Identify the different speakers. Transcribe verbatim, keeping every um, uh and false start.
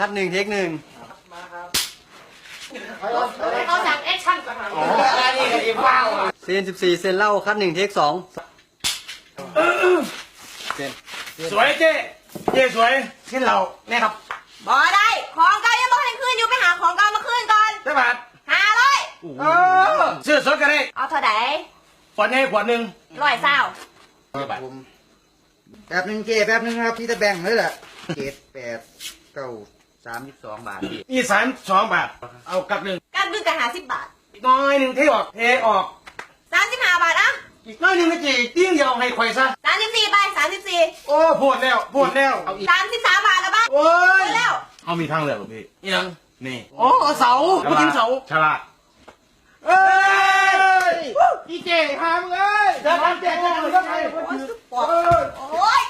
Speaker 1: คัดหนึ่งเทคหนึ่ง
Speaker 2: มาครับ
Speaker 3: เขาสั่งแอคชั่นก่อน
Speaker 2: อ๋อนี่ก็อีกว้าว
Speaker 1: เซนสิบสี่เซนเหล่าคัดหนึ่งเทคสองเซน
Speaker 2: สวยเจ๊เจ๊สวยขึ้นเราเนี่ยครับ
Speaker 3: บ่ได้ของเก่ายังบ่ให้ขึ้นอยู่ไปหาของเก่ามาขึ้นก่อน
Speaker 2: ได้บาท
Speaker 3: หาเลย
Speaker 2: เออซื้อสดกันได้
Speaker 3: เอาเท่าไหร่
Speaker 2: ขวดนี้ขวดหนึ่ง
Speaker 3: ร้อยเศร้า
Speaker 4: ผมแป๊บหนึ่งเจแป๊บหนึ่งครับพี่ตะแบงเลยแหละเจ็ดแปดเก้าสามสิบสองบาทพี่
Speaker 2: อีสานสองบาทเอากลับหนึ่ง
Speaker 3: กันดึงกันหาสิบบาท
Speaker 2: อีกน้อยหนึ่งเทออกเทออก
Speaker 3: สามสิบห้าบาทอ่ะ
Speaker 2: อีกน้อยหนึ่งนะเจ๊ติ้งเดียวให้ข่อยซะ
Speaker 3: สามสิบสี่ใบสามสิบสี่
Speaker 2: โอ้ปวดแล้วปวดแล้วเอาอีก
Speaker 3: สามสิบสามบาทแล้วบ้าง
Speaker 2: โอ้ย
Speaker 3: แล้ว
Speaker 2: เขามีทางเลือกหรอพี่ยังนี่
Speaker 1: โอ้เสา
Speaker 2: ผู้กินเสาฉลาดเอ้ยอีเจ๊หามเอ้ยจะทำเจ๊จะทำยังไง
Speaker 3: โอ้ย